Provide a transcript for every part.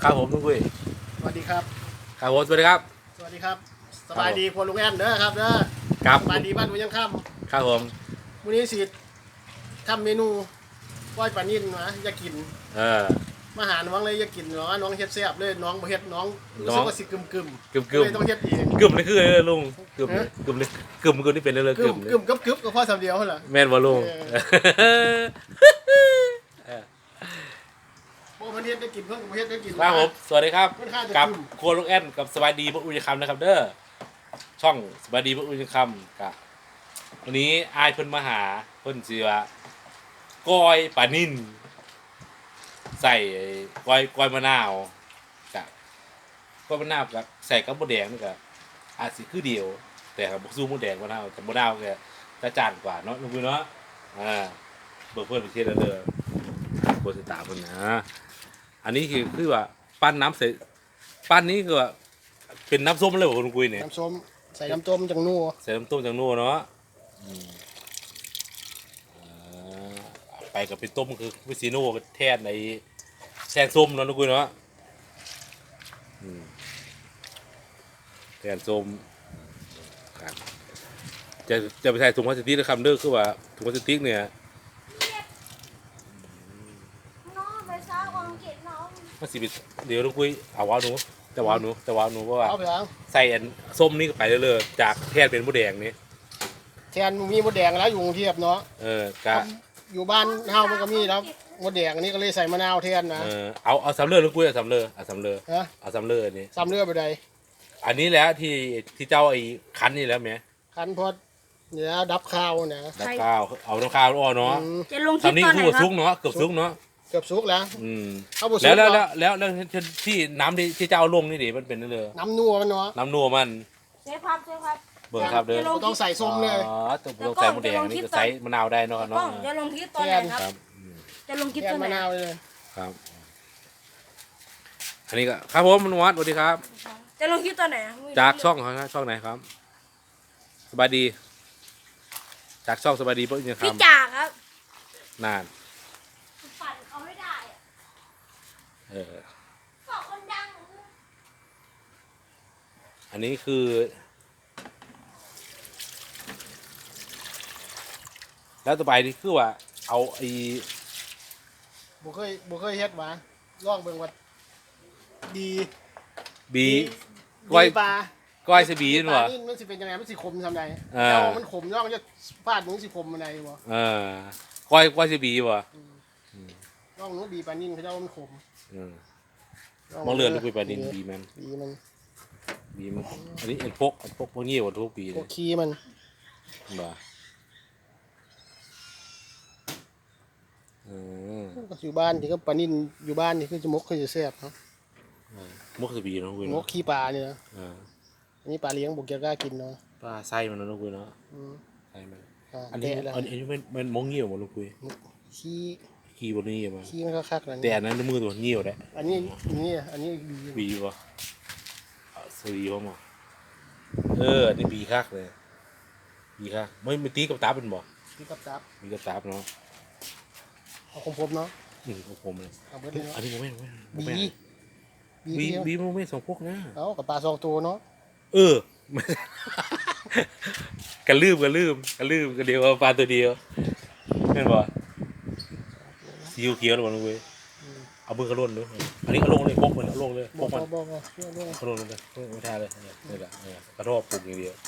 ครับผมลุงกุ้ยสวัสดีครับครับผมสวัสดีครับสวัสดีครับสบายดีครัวลุงแอนเด้อครับเด้อครับสบายดีบ้านผมยังค่ครับผมำวันนี้สิทำเมนูก้อยปลานิ่นนะอยากกินเออมาหาน้องเลยอยากกินน้องเฮ็ดแซ่บเลยน้องบ่เฮ็ดน้องรู้สึกว่าสิกึมเลยต้องเฮ็ดเองกึ่มนี่คือลุงกึ่มกึ่มนี่กึ่มนี่เป็นเรื่องกึกึ่มมกึบก็พอสำเดียวเหรอแม่นบ่ลุงโอ้เพิ่นเฮ็ดได้กินเพิ่นบ่เฮ็ดได้กินครับผมสวัสดีครับค่อนข้างจะกับโครัวลุงแอนกับสบายดีพระอุยคำนะครับเด้อช่องสบายดีพระอุยคำกับวันนี้อายเพิ่นมาหาเพิ่นชื่อว่าก้อยปลานิ่นใส่ก้อยมะนาวกับก้อยมะนาวกับใส่กับมะแดงนี่ก็อาจสิคือเดียวแต่กับบ่สู้มะแดงมะนาวแต่มะนาวก็จะจานกว่าเนาะลุงปุ้ยเนาะเบิกเพิ่นไปเทศแล้วเด้อโคสิตาเพิ่นนะอันนี้คือว่าปั้นน้ำใส่ปั้นนี้คือว่าเป็นน้ำส้มเลยบ่ลุงปุ้ยเนี่ยน้ำส้มใส่น้ำต้มจังนัวใส่น้ำต้มจังนัวเนาะไปกับเป็นต้มคือวิซีโน่แทนในแซงส้มเนาะลุงปุ้ยเนาะแทนส้มครับจะไปใส่ถุงพลาสติกนะครับเด้อคือว่าถุงพลาสติกเนี่ยมันสิบเดี๋ยวลุงปุ้ยเอาว้าวหนูแต่ว้าวหนูเพราะว่าใส่อันส้มนี่ก็ไปเรื่อยๆจากแทนเป็นมะแดงนี่แทนมีมดแดงแล้วอยู่กรุงเทพเนาะกะอยู่บ้านเฮามันก็มีแล้วมดแดงอันนี้ก็เลยใส่มะนาวแทนนะเอาสำเร็จลุงปุ้ยเอาสำเร็จเอาสำเร็จนี่สำเร็จไปใดอันนี้แหละที่เจ้าไอ้คั้นนี่แล้วไหมคั้นพอเนี่ยดับข้าวนะดับข้าวเอาน้ำข้าวอ้อเนาะจะลงคลิปตอนไหนครับซุกเนาะเกือบซุกเนาะเกือบซุกแล้วเอาบุซุกแล้วที่น้ำที่เจ้าลงนี่ดิมันเป็นเลยน้ำนัวมันเนาะน้ำนัวมันเชฟครับเบิ่งครับเด้อต้องใส่ส้มเลยต้องใส่มะแดงนี่ก็ใส่มะนาวได้เนาะจะลงคลิปตอนไหนครับจะลงคลิปตอนไหนมะนาวเลยครับอันนี้ก็ครับผมมนวัดสวัสดีครับจะลงคลิปตอนไหนจากช่องครับช่องไหนครับสบายดีจากช่องสบายดีเพราะยังพี่จ่าครับนานฝันเขาไม่ได้สองคนดังอันนี้คือแล้วต่อไปนี่คือว่าเอาไอ้บุเคยเฮ็ดมาลองเบิ่งว่าดีก้อยปลาก้อยสบีนวะมันสิเป็นยังไงมันสิขมทำไงแล้วมันขมแล้วมันจะฟาดมึงสิขมมันไงวะก้อยสบีวะลองนู้บีปลานิ่นเขาเจ้ามันขมมองเลือดลูกปลานิ่นบีมันอันนี้พวกเงี้ยวทุกปีพวกขี้มันบ่อยู่บ้านที่ก็ปลานิ่นอยู่บ้านนี่คือจะมกคือจะแซ่บเนาะมกสบีนะคุณมกขี้ปลาเนี่ยนะอันนี้ปลาเลี้ยงบุกจะกล้ากินเนาะปลาไส้มันนะคุณเนาะไส้มันอันนี้มันมกเงี้ยวหมดลูกคุยขี้บนนี้มาขี้มันก็คักแล้วแต่อันนั้นมือตัวเงี้ยวแหละอันนี้บีวะสวีวะมั้งอันนี้บีคักเลยบีคักไม่ตีกับตาเป็นบ่ตีกับตามีกับตาเนาะเอาคมเนาะคมเลยอันนี้โมเมนต์บีโมเมนต์สองพวกนะเอากับปลาสองตัวเนาะกันลืมกันเดียวปลาตัวเดียวเห็นบ่ซีอิ๊วเขียวหรือเปล่าเว้ยเอามือกระโดดเลยอันนี้กระโดดเลยพกมันกระโดดเลยพกมันกระโดดเลยไม่ท่าเลยนี่แหละกระโดดปลูกอย่างเดียว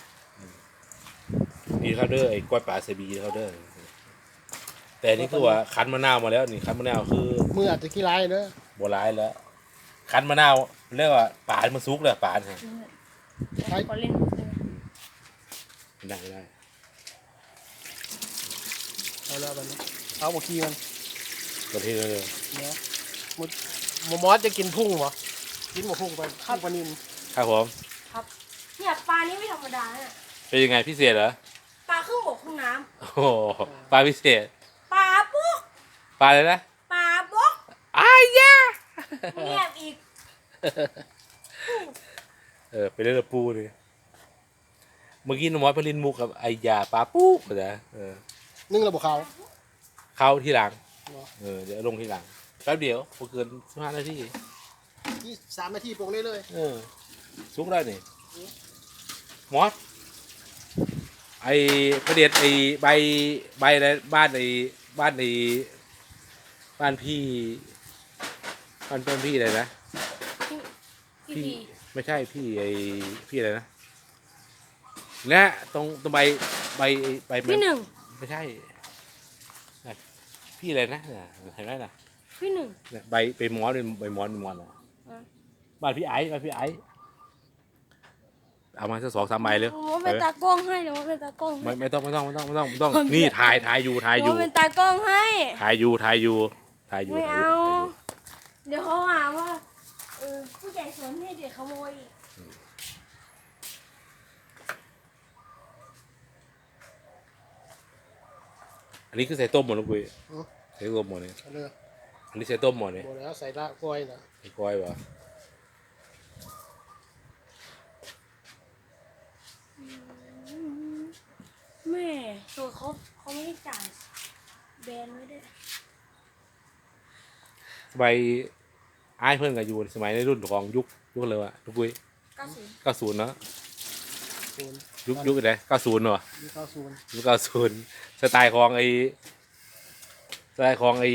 ดีครับเด้อไอ้กล้วยป่าเซบีครับเด้อแต่นี่คือว่าคั้นมะนาวมาแล้วนี่คั้นมะนาวคือมืออาจจะขี้ร้ายเด้อบัวร้ายแล้วคั้นมะนาวเรียกว่าป่านมันซุกเลยป่านฮะได้เอาแล้วมันเอาหมกขี้มันกระเทียมเลยเนาะหมูมอสจะกินพุ่งเหรอกินหมูพุ่งไปข้าวปลานิลครับผมครับเนี่ยปลานี้ไม่ธรรมดาเนี่ยเป็นยังไงพิเศษเหรอปลาครึ่งบกครึ่งน้ำโอ้ปลาพิเศษปลาปุ๊กปลาอะไรนะปลาปุ๊กยาเงียบอีกไปเล่นปูเลยเมื่อกี้น้องมอสไปเล่นมุกกับไอยาปลาปูก็จะนึ่งระบบเขาที่หลังเดี๋ยวลงที่หลังแป๊บเดียวพอเกิน15 นาทีที่3 นาทีปรุงได้เลยสุกได้นี่มอสไอ้ประเด็ดไอ้ใบอะไรบ้านไอ้บ้านไอ้บ้านพี่บ้านพี่อะไรนะพี่ไม่ใช่พี่ไอ้พี่อะไรนะเนี่ยตรงใบพี่หนึ่งไม่ใช่น่ะพี่อะไรนะน่ะเห็นไหมน่ะพี่หนึ่งเนี่ยใบมอสเป็นใบมอสเป็นมอสอ่ะบ้านพี่ไอ้บ้านพี่ไอ้เอามาสัก2-3 ใบเลยผมว่าเป็นตากล้องให้เดี๋ยวว่าเป็นตากล้องให้ไม่ต้องนี่ถ่ายอยู่เดี๋ยวว่าเป็นตากล้องให้ถ่ายอยู่ไม่เอา เดี๋ยวเขาหาว่าผู้ใหญ่สนให้เด็กขโมยอีกอันนี้คือใส่ต้มหมดลูกปุ้ยใส่ต้มหมดเนี่ยเอาเลยอันนี้ใส่ต้มหมดเนี่ยหมดแล้วใส่ละกล้วยนะไอ้ก้อยวะแม่ตัวเขาไม่ได้จ่ายแบนไว้ด้วยใบอ้ายเพื่อนกับอยู่สมัยในรุ่นของยุคเลยวะลูกปุ้ย 90 90เนาะศูนย์ยุคไหน90เนาะมีข้าวศูนย์ยุค90สไตล์ของไอ้สไตล์ของไอ้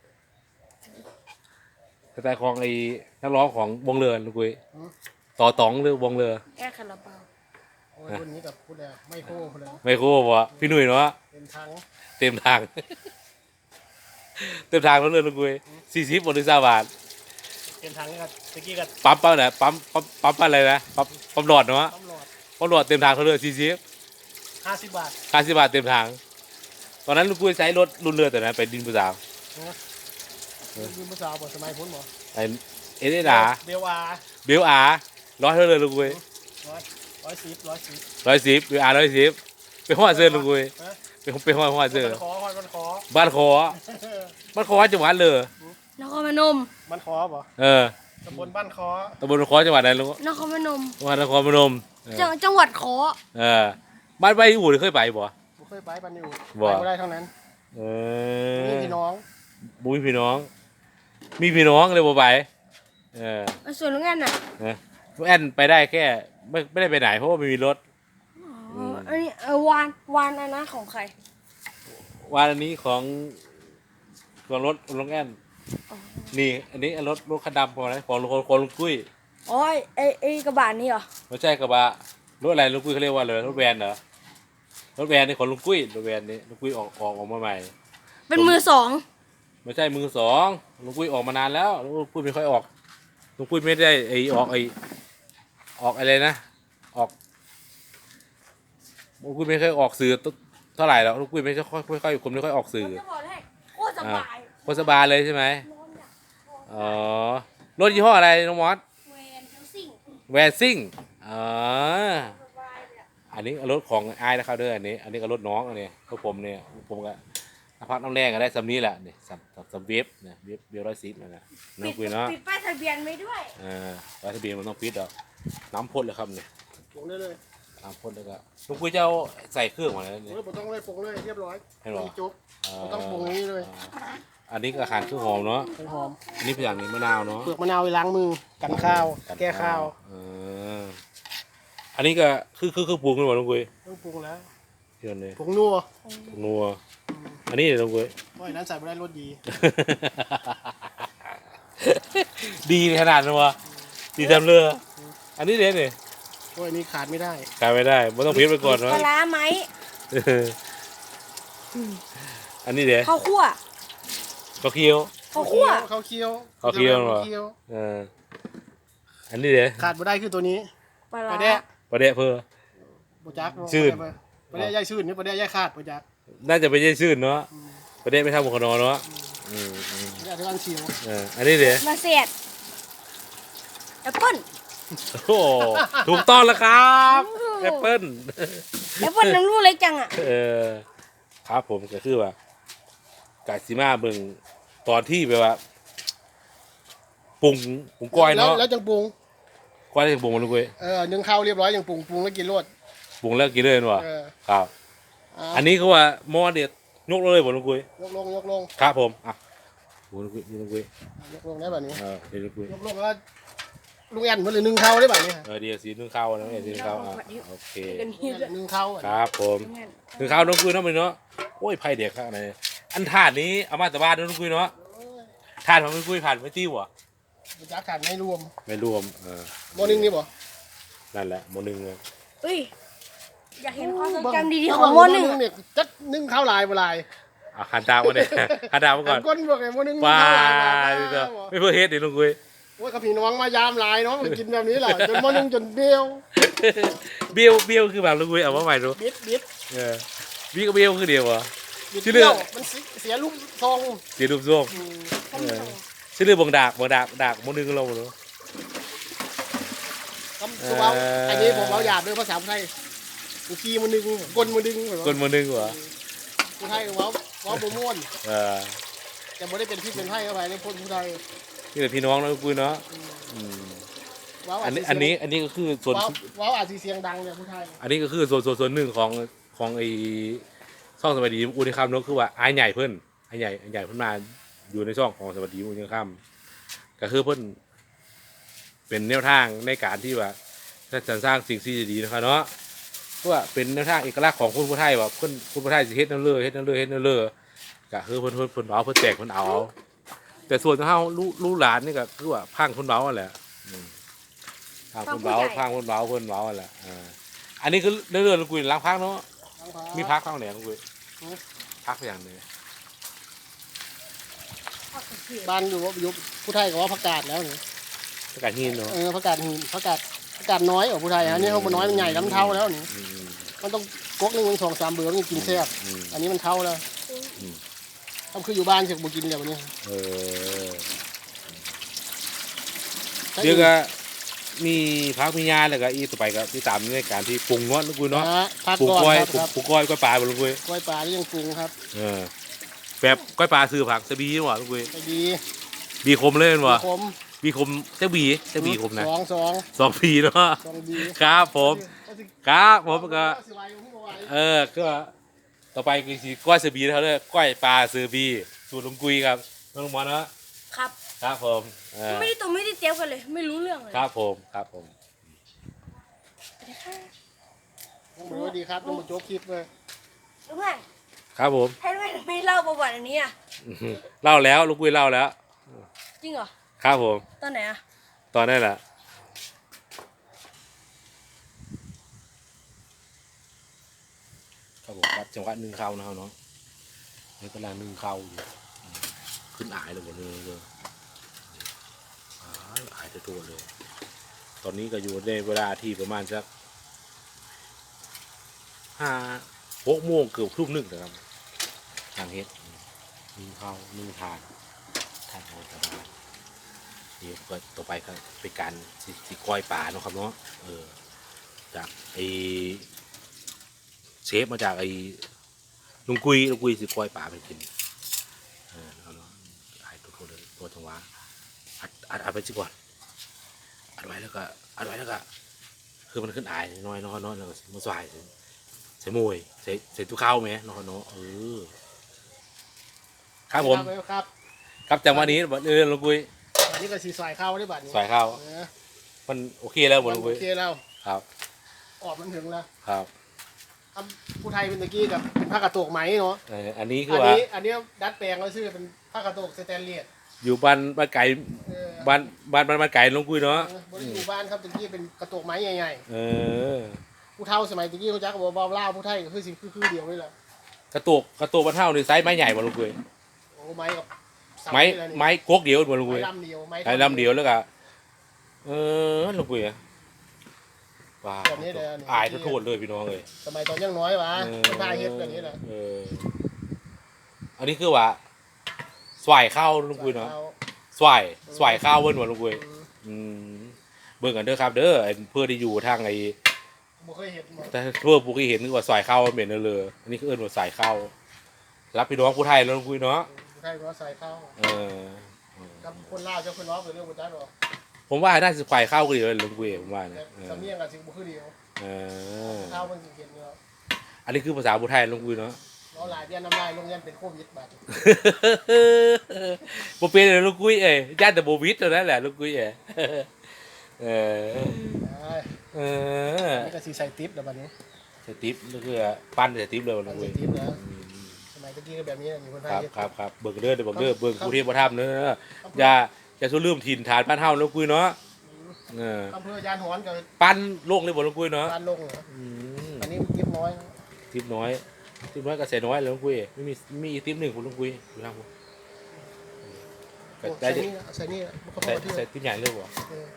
นักร้องของวงเรือลูกปุ้ยต่อต๋องหรือวงเรือแก้คาราบาวโอ้ยรุ่นนี้กับพูดแล้วไม่โค้พูดแล้วไม่คู่วะพี่หนุ่ยเนาะเป็นทั้งเต็มทาง เต็มทางแล้วเลยลูกปุ้ย40 บาทหรือ20 บาทเป็นทั้งกับตะกี้กับปั๊มไหนปั๊มอะไรนะปั๊มหลอดเนาะตำรวจปั๊มหลอดเต็มทางเขาเลย40 50 บาท 50 บาทเต็มทาง ตอนนั้นลูกปุ้ยใช้รถรุ่นเรือแต่นะไปดินผู้สาวนะยืมภาษาบทสมัยพ้นหมอไอเอเดดาเบลอาเบลอาร้อยเท่าเลยลูกปุ้ย 110 110เบลอา110ไปห้อเสื้อลูกปุ้ยไปห้อเสื้อมันขอบ้านคอจังหวัดเลยนครพนมมันขอป่ะ ตำบลบ้านคอตำบลคอจังหวัดไหนลูกนครพนมจังหวัดนครพนมจังหวัดขอบ้านใบอู่เคยไปบ่บ่เคยไปปันอยู่บ่ไปบ่ได้เท่านั้นนี่พี่น้องบุ้ยพี่น้อง มีพี่น้องเลยบ่ไปส่วนลุงแอนน่ะลูกแอนไปได้แค่ไม่ได้ไปไหนเพราะว่าไม่มีรถอันนี้วานอันนั้นของใครวันอันนี้ของรถลุงแอนนี่อันนี้รถคันดำของอะไรของลุงกุ้ยอ๋อไอ้กระบะนี่เหรอไม่ใช่กระบะรถอะไรลุงกุ้ยเขาเรียกว่าอะไรรถแวนเหรอรถแวนนี่ของลุงกุ้ยรถแวนนี่ลุงกุ้ยออกมาใหม่เป็นมือสองไม่ใช่มือสองลุงกุ้ยออกมานานแล้วลุงกุ้ยไม่ค่อยออกลุงกุ้ยไม่ได้ออกอะไรนะลุงกุ้ยไม่ค่อยออกสื่อเท่าไหร่แล้วลุงกุ้ยไม่ค่อยคนไม่ค่อยออกสื่อจะบอกให้โคตรสบายโคตรสบายเลยใช่ไหมนอนอยากนอนอ๋อรถยี่ห้ออะไรน้องมอสแวนทั้งสิ่งแวนซิ่งอ๋อสบายเลยอะอันนี้รถของไอ้ายนะครับเด้ออันนี้ก็รถน้องอันนี้รถผมเนี่ยผมก็พักน้ำแรงก็ได้สำนี้แหละนี่สัมเวฟเนี่ยเวฟ110นะน้องคุยเนาะปิดป้ายทะเบียนไว้ด้วยป้ายทะเบียนมันต้องปิดอ่ะน้ำพ่นเลยครับเนี่ยปรุงได้เลยน้ำพ่นแล้วก็ลุงคุยจะเอาใส่เครื่องมาแล้วเนี่ยโอ้ยบ่ต้องเลยปรุงเลยเรียบร้อยให้หรอมีจุ๊บ บ่ต้องปรุงอย่างนี้เลยอันนี้ก็อาหารเครื่องหอมเนาะให้หอมอันนี้เป็นอย่างนี้มะนาวเนาะเปลือกมะนาวไปล้างมือกันข้าว แก้ข้าวอันนี้ก็คือปรุงขึ้นมาลุงคุยต้องปรุงแล้วที่นั่นเลยผงนัวนัวอันนี้เดี๋ยวลุงคุยเพราะอันนั้นใส่ไม่ได้รสดีดีขนาดนั้นวะดีทำเรืออันนี้เด็ดเนี่ยเพราะอันนี้ขาดไม่ได้ขายไม่ได้ไม่ต้องพิจไปก่อนปวะลาร้าไหมอันนี้เด็ดข้าวคั่วข้าวเคี่ยวข้าวคั่วข้าวเคี่ยวข้าวเคี่ยวเหรอข้าวเคี่ยวอันนี้เด็ดขาดไม่ได้คือตัวนี้ปลาปร้าลาแดะประเดะเพื่อบ่จักชื่นปลาแดะย่ายชื่นนี่ปลาแดะย่ายขาดบ่จักน่าจะไปเยี่ยชื่นเนาะประเดะไม่ทำหมวกกันน็อกเนาะปลาแดะที่ร้านเชียวอันนี้เด็ดมาเสียดแอปเปิ้ลโอ้ถูกต้องแล้วครับแอปเปิ้ลแอปเปิ้ลน้ำลูกเล็กจังอ่ะครับผมก็คือว่ากาซิมาเบิ่งตอนที่แบบว่าปรุงก้อยเนาะแล้วจังปรุงก้อยได้ปรุงมันลูกเว้ยนึ่งข้าวเรียบร้อยอย่างปรุงแล้วกินรสปรุงแล้วกินเลยเนาะเออครับอ่ะอันนี้เขาว่าหม้อเด็ดยกเลยบ่ลูกเว้ยยกลงยกลงครับผมอ่ะโอ้ลูกเว้ยลูกเว้ยยกลงได้แบบนี้เดี๋ยวลูกเว้ยยกลงแล้วลุงแอนเพิ่นเลยนึ่งข้าวได้บัดนี้เดี๋ยวสีนึ่งข้าวนะสีนึ่งข้าวโอเคกันนี่ด้วยนึ่งข้าวครับผมนึ่งข้าวน้องกุยเนาะมันเนาะโอ้ยไผ่เด็กข้างในอันถาดนี้เอามาแต่บ้านน้องกุยเนาะถาดของน้องกุยผ่านไม่ติ้วอ่ะมันจะขาดไม่รวมไม่รวมโมนึงนี่บ่นั่นแหละโมนึงเลยเฮ้ยอยากเห็นความทรงจำดีๆของโมหนึ่งเนี่ยจัดนึ่งข้าวลายบ่ลายหันดาวมาเนี่ยหันดาวมาก่อนก้นบอกไงโมนึงว้าข้าวลายไม่เพื่อเฮ็ดดิน้องกุยโอ้ยกับพี่น้องมายามลายน้องมันกินแบบนี้แหละจนโมนึงจนเบี้ยวเบี้ยวคือแบบน้องกุยเอามาใหม่ดูบิดบี้กับเบี้ยวคือเดียวอ่ะบิดชื่อเรื่เบี้อย งวมันเสียลูกทรงเสียรูปทรงชื่อเรื่องบังดากโมนึงเราเนาะคำตัวอันนี้ผมเอาหยาบด้วยภาษาไทยกูขี้มันดึงก้นมันดึงคนโมนึงเหรอผู้ไทยเว้าบ่ม่วนแต่บ่ได้เป็นพี่เป็นไทยเข้าไปในคนผู้ไทยนี่แหละพี่น้องน้องกุยเนาะเว้าอันนี้ก็คือส่วนเว้าอาจสิเสียงดังเนี่ยผู้ไทยอันนี้ก็คือส่วนหนึ่งของไอ้ช่องสวัสดีอุณคำเนาะคือว่าไอ้ใหญ่เพิ่นไอ้ใหญ่เพิ่นมาอยู่ในช่องของสวัสดีอุณคำก็คือเพิ่นเป็นแนวทางในการที่ว่าจะสร้างสิ่งที่ดีนะครับเนาะเพราะว่าเป็นแนวทางเอกลักษณ์ของคนผู้ไทยว่าคนผู้ไทยสิเฮ็ดนั่นเลยก็คือเพิ่นเอาเพิ่นแจกเพิ่นเอาแต่ส่วนของเฮาลูกหลานนี่ก็คือว่าพังคนเบานั่นแหละพังคนเบานั่นแหละอันนี้คือเรื่องกุยล้างพักเนาะมีพักข้างไหนกุยพักอย่างนี้บ้านอยู่ผู้ไทยก็ว่าผักกาดแล้วนี่ประกาศหินเนาะผักกาดหินผักกาดน้อยของผู้ไทยอันนี้เขาบ่น้อยมันใหญ่ลำเท่าแล้วนี่มันต้องกกนึงมัน2-3เบือมันกินแซ่บอันนี้มันเท่าแล้วทำคืออยู่บ้านเสร็จบ่กินแล้ววันนี้เดี๋ยวก็มีพักมียาแล้วก็อีต่อไปก็ที่ตามในการที่ปรุงเนาะกุยเนาะพักปรุงก่อนก้อยครับปรุงก้อยปลาบ่ลุงกุยกล้วยปลาที่ยังปรุงครับแบบก้อยปลาซื้อผักสบีหว่ะลุงกุยไปดีบีคมเลยว่ะขมบีคมเจ้าบีคมนะสอง 2ปีเนาะดีครับผมก็ก็ต่อไปคือสิก้อยสบีเขาเลยก้อยปลาซื้อบีสูตรลุงกุยครับน้องหมอเนาะครับครับผมไม่ได้เตรียมกันเลย ไม่รู้เรื่องเลยครับผมน้องดีครับน้องโจ๊กคลิปเลยรู้ไหมครับผมให้ไม่เล่าประวัติอันนี้อ่ะเล่าแล้วลุงกุยเล่าแล้วจริงเหรอครับผมตอนไหนอ่ะตอนนั้นแหละครับผมวัดจังหวัดนึ่งข้าวนะครับเนาะนี่กำลังนึ่งข้าวอยู่ขึ้นอายเลยหมดเลยอายตัวเลยตอนนี้ก็อยู่ในเวลาที่ประมาณสัก6 โมงเกือบทุ่ม1นะครับทางเฮ็ดนึ่งข้าวนึ่งทานโหดบ้านนี่ก็ต่อไปก็เป็นการสิก้อยป่าเนาะครับเนาะจากไอเชฟมาจากไอลุงกุยสิก้อยป่าไปกินเอาเนาะไอ้ตัวเลยตัวจังหวะอัดไปสิก่อนอัดไว้แล้วก็คือมันขึ้นอายน้อยแล้วก็มาสายใส่มวยใส่ตู้ข้าวไหมเนาะครับผม ครับจังหวะนี้ลุงกุยอันนี้ก็สีสายข้าวได้บัดนี้สายข้าวมันโอเคแล้วลุงกุยโอเคแล้วครับออกมันถึงแล้วครับผู้ไทยเป็นตะกี้กับเป็นผ้ากระโตกไหมเนาะอันนี้คือว่าอันนี้ดัดแปลงแล้วชื่อเป็นผ้ากระโตกสแตนเลสอยู่บ้านไก่บ้านไก่ลุงกุยเนาะบริอยู่บ้านครับตะกี้เป็นกระโตกไม้ใหญ่ๆผู้เฒ่าสมัยตะกี้เขาจักบอกว่าเล่าผู้ไทยก็คือเดียวนี่แหละกระโตกบ้านเท่านี่ไซส์ไม้ใหญ่บ่ลุงกุยโอ้ไม้กับไม้กกเดียวบ่ลุงกุยลำเดียวไม้ลำเดียวแล้วก็ลุงกุยว้าอายโทษเลยพี่น้องเลยสมัยตอนยังน้อยวะมันพาเฮ็ดแบบนี้แหละอันนี้คือว่าสวายข้าวลุงกุยเนาะสวายข้าวเบิ้ลบ่ลุงกุยเบิ่งกันเด้อครับเด้อเพื่อที่อยู่ทางไอ้บ่เคยเห็นแต่เพื่อผู้ที่เห็นคือว่าสวายข้าวมันเป็นเลยอันนี้คือเอิ้นว่าสายข้าวรับพี่น้องผู้ไทยแล้วลุงกุยเนาะผู้ไทยก็ใส่ข้าวกับคนลาวเจ้าคนน้องเป็นเรื่องบ่จักหรอกผมว่าน่าจะสวายข้าวก็ดีเลยลุงกุยผมว่านะสำเนียงกับสิบ่คือเดียวข้าวมันสิเห็นอยู่อันนี้คือภาษาผู้ไทยลุงกุยเนาะเราหลายเดือนน้ำลายโรงเรียนเป็นโควิดบัดบ่เป็นเลยลุงกุยญาติแต่โบวิดเท่านั้นแหละลุงกุยเออเออนี่ก็สีใส่ติ๊บแล้วบัดนี้ใส่ติ๊บก็คือปั้นใส่ติ๊บเลยใส่ลุงกุ้ยติ๊บแล้วสมัยตะกี้ก็แบบนี้มีคนไทคยรับเฮ็ดครับครับเบิ่งเด้อเบิ่งเด้อเบิ่งผู้ที่บ่ทำเด้ออย่าสู้ลืมถิ่นฐานบ้านเฮาลุงกุ้ยเนาะเอออำเภอยานหอนกับปั้นโลกเลยบ่ลุงกุ้ยเนาะบ้านลงเหรออืมอันนี้ติ๊บน้อยติ๊บน้อยก็ใส่น้อยเลยลุงกุ้ยไม่มีอีกติ๊บหนึงคุณลุงกุ้ยอยู่ทางผมก็ได้ใส่นี่ก็พอใส่ที่ใส่ติ๊บใหญ่เลยบ่เออ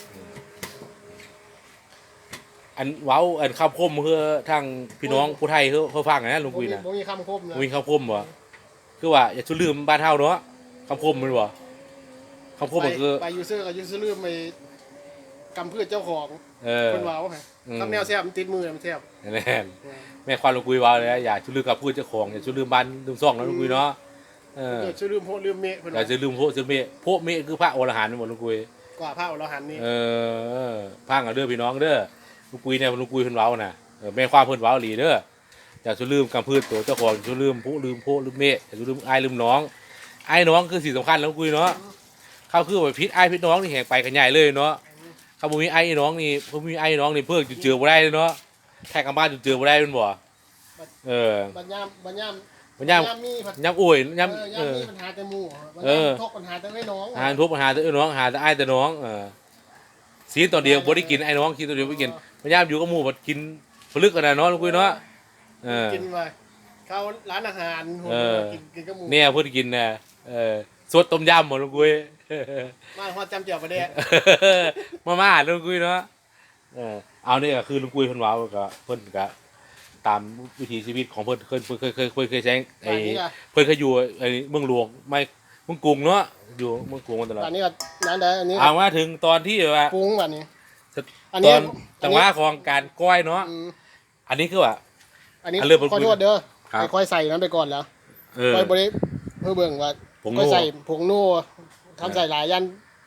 อันเว้าอันข้าวคมคือทางพี่น้องผู้ไทยเขาฟังนะลุงกุ้ยนะบ่มีคำคมนะมีข้าวคมบ่คือว่าอย่าสู้ลืมบ้านเฮาเนาะคำคมมันบ่คำคมมันคือไปยูเซอร์กับยูเซอร์ลืมไปกำพืชเจ้าของเออคนเว้าฮะทำแนวแซ่บมันติดมือมันแซ่บแน่นแม่ควานลุงกุ้ยว่าเลยนะอย่าสู้ลืมกับพูดเจ้าของอย่าสู้ลืมบ้านลืมซ่องนะลุงกุ้ยเนาะเออเกิดชื่อลืมโพลืมเมฆเพิ่นอย่าว่าจะลืมโพเมฆคือพระอรหันต์หมดลุงกุ้ยกว่าพระอรหันต์นี่เออพังเอาเด้อพี่น้องเด้อลุงกุ้ยเนี่ยลุงกุ้ยเพิ่นเว้าน่ะแม่ความเพิ่นเว้าอีหลีเด้ออย่าสู้ลืมกำพืชตัวเจ้าของอย่าสู้ลืมผู้ลืมโพลืมเมฆอย่าสู้ลืมอ้ายลืมน้องอ้ายน้องคือสิ่งสำคัญแล้วลุงกุ้ยเนาะเขาคือว่าพิษอ้ายพิษน้องนี่แหกไปกันใหญ่เลยเนาะเขาบ่มีอ้ายน้องนี่บ่มีอ้ายน้องนี่เพิ่งจุดเจือบ่ได้เลยเนาะแท้กำบ้านจุดเจือบ่ได้แม่นบ่เออบัญญามบัญญามมันย่ำมีผัดย่ำโอ้ยย่ำยามมีปัญหาแต่หมู่บัญเอญาอมทกปัญหาแต่ไม่น้องหาทุบหาแต่น้องหาแต่ไอ้ายแต่น้องซีนตอนเดียวบ่ได้กินไอ้น้องกินตอนเดียวบ่กินพยายามอยู่กับหมู่บ่กินผลึกกันน่ะเนาะลุงกุ้ยเนาะกินไปเข้าร้านอาหารกินกับหมู่เนี่ยเพิ่นกินน่ะสดต้มยำบ่ลุงกุ้ยมาฮอดจำเจียวประเดะมาลุงกุ้ยเนาะเอานี่ก็คือลุงกุ้ยเพิ่นเว้าก็เพิ่นก็ตามวิถีชีวิตของเพิ่นเคยใช้ไอ้เพิ่นเคยอยู่ไอ้เมืองหลวงไม่เมืองกรุงเนาะอยู่เมืองกรุงมาตลอดอันนี้ก็นั่นได้อันนี้เอามาถึงตอนที่ว่าปรุงอันนี้ตอนจังหวะของการก้อยเนาะอันนี้คือว่าอันนี้อันเริ่มขอโทษเด้อครับค่อยใส่นั้นไปก่อนแล้วค่อยบริเพื่อเบิ่งว่าผงค่อยนัวใส่ผงนัวทำใส่หลายยัน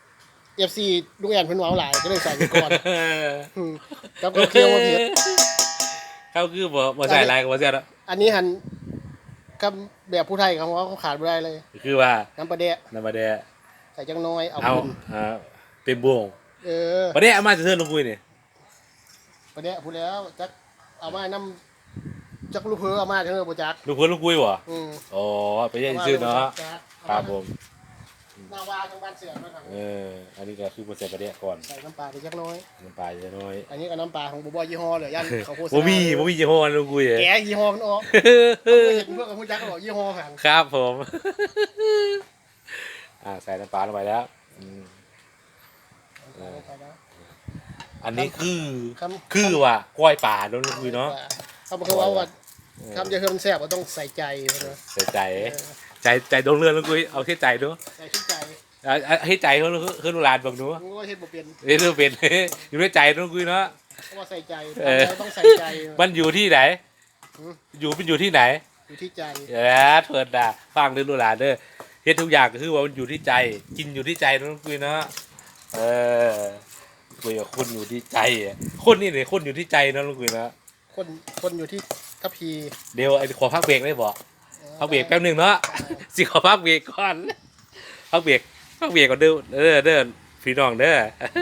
FC ลุงแอนเพิ่นเว้าหลายก็เลยใส่ไปก่อนกับเคี่ยวมาเผ็ดเขาคือบ่ใส่ลายกับบ่เสียแล้วอันนี้หันกับแบบผู้ไทยเขาขาดไม่ได้เลยคือว่าน้ำปลาแดะน้ำปลาแดะใส่จังน้อยเอาเอาขึ้นเต็มบ่วงเออปลาแดะเอามาจะเทินลงปุ้ยนี่ปลาแดะพูดแล้วจักเอามาน้ำจักลูกเพอเอามาเถอะบ่จักลูกเพิ่นลูกปุ้ยบ่อืมอ๋อไปเยี่ยมชื่อเนาะครับผมนาวาทางบ้านเสือมาทางอันนี้ก็คือบ่ใส่ปลาแดะก่อนใส่น้ำปลาไปจักน้อยน้ำปลาจะน้อยอันนี้ก็น้ำปลาของบ่บ่ยี่ห้อเลยยันเขาโฆษณาบ่มียี่ห้อลูกปุ้ยแกะยี่ห้อมันออกเห็นเพื่อนกับผู้จักบอกยี่ห้อหันครับผมใส่น้ำปลาลงไปแล้วอันนี้คือว่าก้อยป่าเนาะลูกปุ้ยเนาะเขาบอกว่าคำจะเพิ่มแซ่บก็ต้องใส่ใจนะใส่ใจดวงเรือนลูกปุ้ยเอาแค่ใจเนาะใส่ที่ใจให้ใจเขาคือลูกหลานบังเนาะมึงก็เฮ็ดบ่เป็นเรื่องเป็น อยู่ในใจน้องกุยเนาะเพราะว่าใส่ใจต้องใส่ใจมันอยู่ที่ไหน มันอยู่ที่ไหนอยู่ที่ใจเถิดด่าฟังเรื่องลูกหลานเด้อเฮ็ดทุกอย่างก็คือว่ามันอยู่ที่ใจ กินอยู่ที่ใจน้องกุยเนาะคุยกับคนอยู่ที่ใจคนนี่เนี่ยคนอยู่ที่ใจเนาะน้องกุยเนาะคนอยู่ที่ทัพพีเดี๋ยวไอ้ขอพักเบรกได้บ่พักเบรกแป๊บนึงเนาะสิขอพักเบรกก่อนพักเบรกก่อนเด้อพี่น้องเด้อ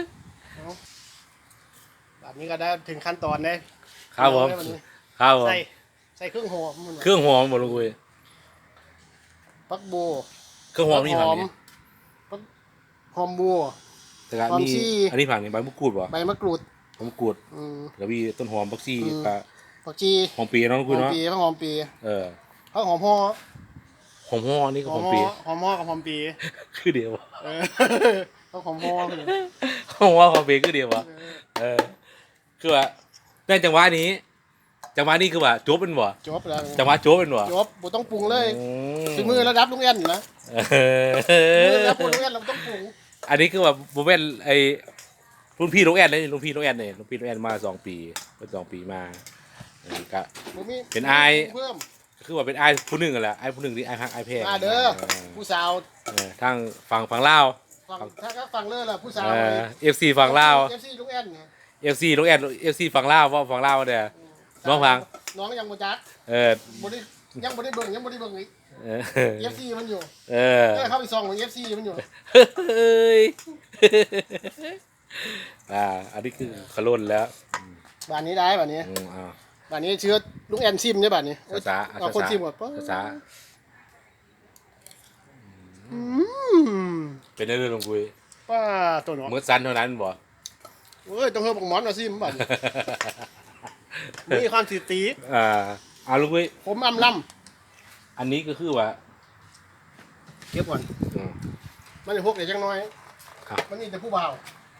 แบบนี้ก็ได้ถึงขั้นตอนได้ครับผมครับผมใส่เครื่องหอมเครื่องหอมหมดเลยปักบัวเครื่องหอมนี่ผักนี่หอมบัวแต่ก็มีอันนี้ผักนี่ใบมะกรูดป่ะใบมะกรูดใบมะกรูดแล้วมีต้นหอมบักซี่กับผักชีหอมปีน้องกุยเนาะหอมปี เขาหอมห่อหอมห่อนี่ก็หอมปีหอมห่อกับหอมปีคือเดียวเขาหอมห่อหอมห่อหอมปีคือเดียวคือว่าในจังหวะนี้คือว่าจบเป็นบ่จบแล้วจังหวะจบเป็นบ่จบบ่ต้องปรุงเลยถึงมือระดับลุงแอนอยู่นะมือระดับลุงแอนเราต้องปรุงอันนี้คือว่าผมเป็นไอ้รุ่นพี่น้องแอนเลยรุ่นพี่น้องแอนเนี่ยรุ่นพี่น้องแอนมา2 ปีเป็น2 ปีมาก็เป็นไอคือว่าเป็นไอผู้หนึ่งกันแหละไอผู้หนึ่งที่ไอพักไอแพงเด้อผู้สาวทางฝั่งลาวถ้าฟังเลิศล่ะผู้สาว FC ฝั่งลาว FC ลุงแอนไง FC น้องแอน FC ฝั่งลาวว่าฝั่งลาวเนี่ยน้องฟังน้องยังบ่จักบ่ได้ยังบ่ได้เบิ่งอีก FC มันอยู่เข้าไปส่องของ FC มันอยู่เฮ้ยอันนี้คือขลุ่นแล้วบ้านนี้ได้บ้านนี้อ่าบ้านนี้เชื้อลุงแอนซิมใช่บ้านนี้ช้าเอาคนซิมก่อนปะช้าอืมเป็นเรื่องลงคุยป้าตัวเนาะเมื่อสั้นเท่านั้นบ่เอ้ยต้องเฮาบักหมอนมาซิมบ้านนี้มีความสีตีเอาลุงคุยผมอำล่อันนี้ก็คือว่าำเก็บก่อนมันจะพวกเด็กจังน้อยครับมันนี่แต่ผู้บ่าว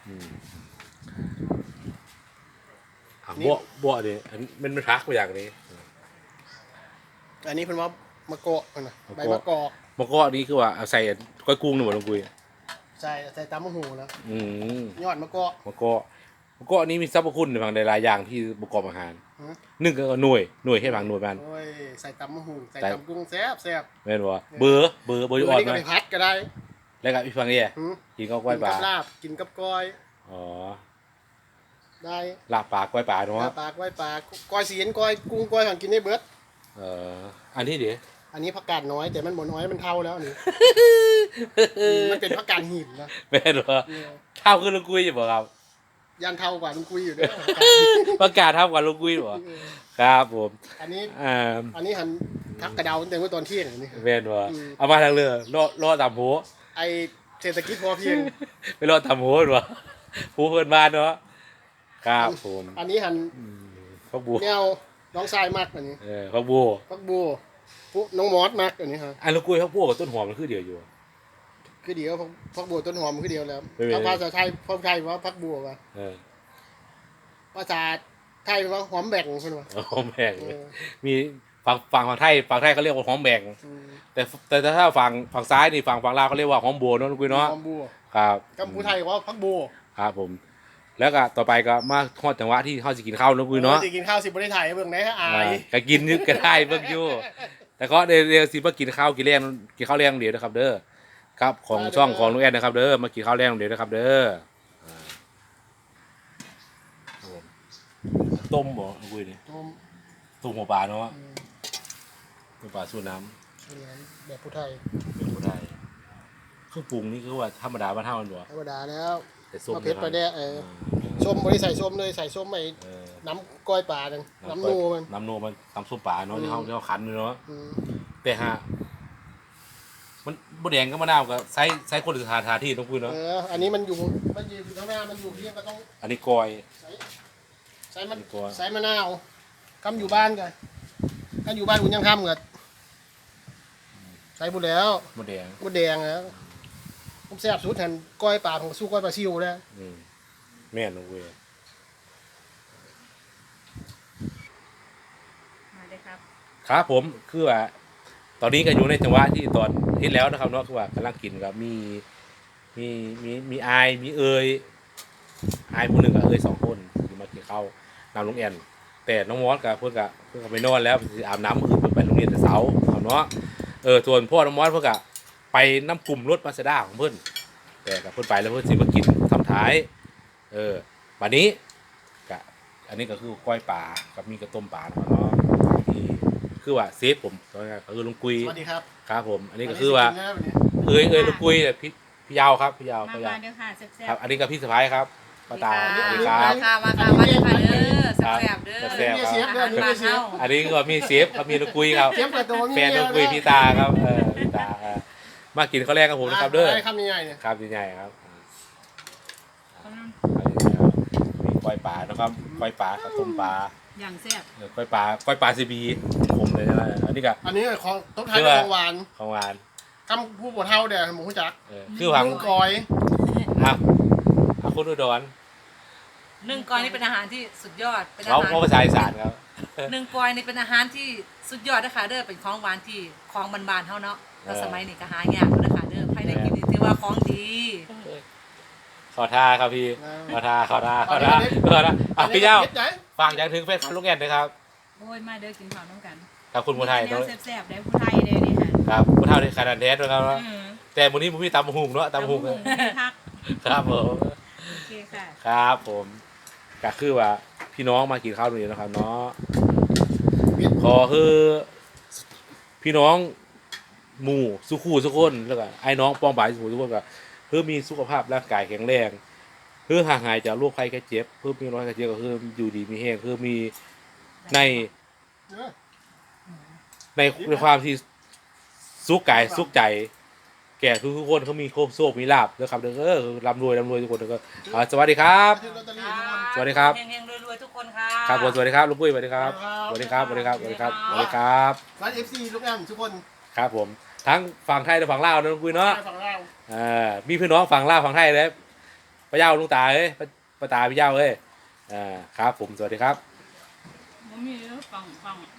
บ่ดิอันมันไม่ทักไปอย่างนี้อันนี้เพิ่นว่ามะกอกนะใบมะกอกมะกอกอันนี้คือว่าเอาใส่ก้อยกุ้งนี่บ่ลุงคุยใส่ตำมะหูนะมยอดมะกอกมะกอกอันนี้มีสรรพคุณในบางหลายๆอย่างที่ประกอบอาหารฮะหนึ่งก็หน่วยให้บางหน่วยมันโอ้ยใส่ตำมะหูใส่ใส่ตำกุ้งแซ่บแซ่บแม่นบ่เบอร์อยู่อ่อนนี่ก็ไหมไปพัดก็ได้แล้วก็อีกฝั่งนี้หืมกินข้าวกล้วยปลากินกับลาบกินกับก้อยอ๋อได้ลาบปลากล้วยปลาลาเนาะบปลาก้อยปลาก้อยเสียนก้อยกุ้งก้อยของกินได้เบิดอันนี้เดี๋ยวอันนี้ผักกาดน้อยแต่มันบ่น้อยมันเท่าแล้วอันนี่ มันเป็นผักกาดหินนะแม่นบ่เนี่ยเท่าคือลุงกุ้ยอยู่บ่ครับยันเท่ากว่ามันคุยอยู่เด้อประกาศเท่ากับลุงกุ้ยบ่ครับผมอันนี้อ่าอันนี้หันพักกระเดาตั้งแต่เมื่อตอนเที่ยงอันนี้แม่นบ่เอามาทางเรือรอตามโหไอเศรษฐกิจพอเพียงไปรอตามโหบ่ผู้เพิ่นบ้านเนาะครับผมอันนี้หันพักบัวแนวน้องทรายมากอันนี้พักบัวพักบัวปุ๊น้องมอสมากอันนี้ฮะอันลุงกุ้ยพักบัวกับต้นหอมมันคือเดียวอยู่คือเดียวพักบัวต้นหอมคือเดียวแล้วไม่เป็นไรภาษาไทยภาษาไทยว่าพักบัวว่ะเออภาษาไทยว่าหอมแบ่งคนว่ะหอมแบ่งเออมีฝั่งไทยเขาเรียกว่าหอมแบ่งอืมแต่ถ้าฝั่งซ้ายนี่ฝั่งลาวเขาเรียกว่าหอมบัวเนาะลุงกุ้ยเนาะหอมบัวครับกัมพูไทยว่าพักบัวครับผม แล้วก็ต่อไปก็มาทอดจังหวะที่เขาสิกินข้าวลุงกุ้ยเนาะจะกินข้าวสิบ่ได้ถ่ายให้เบิ่งได้ฮะอายก็กินนึกก็ได้เบิ่งอยู่แต่ก็เดี๋ยวสิมากินข้าวกินแรงเดี๋ยวนะครับ เด้อครับของช่องของลุงแอนนะครับ เด้อมากินข้าวแรงเดี๋ยวนะครับ เด้อครับผมต้มบ่ลุงกุ้ยนี่ต้มต้มหัวปลาเนาะอืมหัวปลาสูตรน้แบบผู้ไทยำเป็นผู้ไทยเครื่องปรุงนี่คือว่าธรรมดาบ้านเฮามันบ่ธรรมดาแล้วแต่ส้มมะเผ็ดปลาแดกส้มบ่ได้ใส่ส้มเลยใส่ส้มไปน้ำก้อยปลาจังน้ำนูมันน้ำโนมันตำส้มปลาเนาะที่เขาขันอยู่เนาะอืมแต่ฮะมันบ่แดงก็มะนาวก็ใส่คนอื่นทาที่ต้องพูดเนาะอันนี้มันอยู่ข้างหน้ามันอยู่เพียงก็ต้องอันนี้กอยใส่มันตัวใส่มะนาวคำอยู่บ้านกันถ้าอยู่บ้านคุณยังคำกันใส่บุแล้วบ่แดงบุแดงแล้วผมแซ่บสุดแทนก้อยปลาของสู้ก้อยปลาซิวแล้วแม่นลงเว้ยมาเลยครับครับผมคือว่า ตอนนี้ก็อยู่ในจังหวะที่ตอนเฮ็ดแล้วนะครับเนาะคือว่ากำลังกินกับมีอายมีเอยอายผู้หนึ่งกับเอย2 คนที่มากินข้าวนำลุงแอนแต่น้องมอสกับเพื่อนก็ไปนอนแล้วสิอาบน้ำคือเพิ่นไปโรงเรียนแต่เช้าครับเนาะส่วนพ่อน้องมอสเพิ่นก็ไปน้ำกลุ่มรถมาสด้าของเพิ่นแต่กับเพิ่นไปแล้วเพิ่นสิมากินทำท้ายบัดนี้ก็อันนี้ก็คือก้อยปลากับมีกระต้มปลานะครับเนาะที่คือว่าเซฟผมก็คือลุงกุยสวัสดีครับครับผมอันนี้ก็คือว่านนี้สิกินแล้ววันนี้เอ้ยลุงกุยเนี่ยพี่ยาวครับพี่ยาวมาพี่ยาวเด้อค่ะแซ่บครับ อันนี้ก็พี่สะพ้ายครับป้าตาสวัสดีคมารับค่ะมาค่ะมาเด้อค่ะเด้อแซ่บๆเด้อแซ่บเสียบด้วยนี่บ้าเสียบเฮาอันนี้ก็มีเซฟครับมีลุงกุยครับเสียบกับตัวมีแฟนลุงกุยพี่ตาครับพี่ตามากินข้าวแรกกับผมนะครับเด้อได้คำใหญ่ๆเนี่ยครับใหญ่ๆครับมีก้อยปลานะครับก้อยปลากับต้มปลาอย่างแซ่บก้อยปลาซีบีผมเลยนะอันนี้ก็อันนี้ของต้องทานกับของหวานของหวานคำผู้ปวดเท่าเดี๋ยวหมูจักคือผังนึ่งกอยครับคุณอุดรนึ่งกอยนี่เป็นอาหารที่สุดยอดเป็นอาเขาหารภาษาอีสานครับนึ่งกอยนี่เป็นอาหารที่สุดยอดนะคะเด้อเป็นของหวานที่ของบานๆเฮาเนาะแล้วสมัยนี้ก็หายากเด้อค่ะเด้อใครได้กินนี่ถือว่าของดีขอท่าครับพี่ขอท่าพี่เจ้าฝากอย่างถึงแฟนคลับลูกแอนนะครับโอ้ยมาเด้อกินข้าวน้ำกันกับคุณผู้ไทยแนด้ววยแซ่บๆได้ผู้ไทยเด้อนี่ค่ะครับผู้เท่าในขนาดแท้ด้วยครับอืมแต่มื้อนี้ผมมีตำหุงเนาะตำหุงพักครับผมโอเคค่ะครับผมก็คือว่าพี่น้องมากินข้าวตรงนี้นะครับเนาะขอคือพี่น้องหมู่สุขูสุคนแล้วก็ไอ้น้องปองบ่ายสุขูสุคนก็เพื่อมีสุขภาพร่างกายแข็งแรงคือห่างหายจากโรคภัยแค่เจ็บเพื่อมีโรคภัยแค่เจ็บก็คืออยู่ดีมีแห้งคือมีในเออในความที่สุขกายสุขใจ แก่ทุกคนเขามีโคบโชคมีลาบนะครับเด้อร่ำรวยทุกคนก็สวัสดีครับซื้อลอตเตอรี่ทุกคนสวัสดีครับเฮงๆรวยๆทุกคนค่ะครับผมสวัสดีครับลุงปุ้ยสวัสดีครับสวัสดีครับสวัสดีครับสวัสดีครับสวัสดีครับร้าน FC ลูกแอมทุกคนครับผมทั้งฝั่งไทยและฝั่งลาวนะลุงปุ้ยเนาะฝั่งเรามีพี่น้องฝั่งลาวฝั่งไทยเลยป้าเย้าลุงตาเอ้ยป้าตาพี่เย้าเอ้ยครับผมสวัสดีครับมันมีฟัง